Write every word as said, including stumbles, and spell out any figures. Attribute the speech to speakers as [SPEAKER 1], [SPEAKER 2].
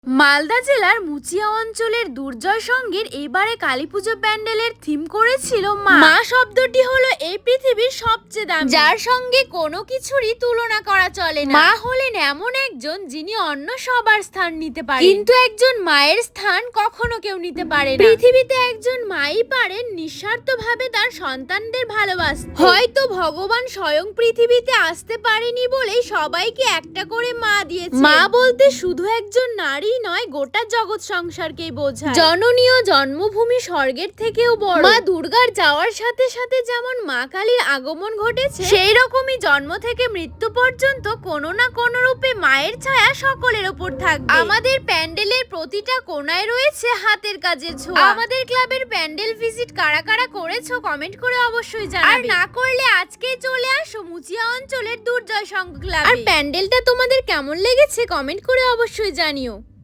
[SPEAKER 1] মালদা জেলার মুচিয়া অঞ্চলের দুর্জয় সঙ্গীর এবারে কালীপুজো প্যান্ডেলের থিম করেছিল মা। মা শব্দটি হলো এই পৃথিবীর সবচেয়ে দামি, যার সঙ্গে কোনো কিছুরই তুলনা করা চলে না। মা হলেন এমন একজন যিনি অন্য সবার স্থান নিতে পারেন, কিন্তু একজন মায়ের স্থান কখনো কেউ নিতে পারে না। পৃথিবীতে একজন মাই পারেন নিঃস্বার্থভাবে তার সন্তানদের ভালোবাসতে। হয়তো ভগবান স্বয়ং পৃথিবীতে আসতে পারেনি বলেই সবাইকে একটা করে মা দিয়েছে। মা বলতে শুধু একজন নারী নয়, গোটা জগৎ সংসারকেই বোঝায়। জননী ও জন্মভূমি স্বর্গের থেকেও বড়। মা দুর্গার যাওয়ার সাথে সাথে যেমন মা কালীর আগমন ঘটেছে, সেই রকমই জন্ম থেকে মৃত্যু পর্যন্ত কোনো না কোনো রূপে মায়ের ছায়া সকলের ওপর থাকবে। আমাদের প্যান্ডেলের প্রতিটা কোণায় রয়েছে হাতের কাজের ছোঁয়া। আমাদের ক্লাবের প্যান্ডেল ভিজিট কারা কারা করেছো কমেন্ট করে অবশ্যই জানাবে। আর না করলে আজকেই চলে আসো মুচিয়া অঞ্চলের দুর্জয় সংঘ ক্লাবে। আর প্যান্ডেলটা তোমাদের কেমন লেগেছে কমেন্ট করে অবশ্যই জানিও।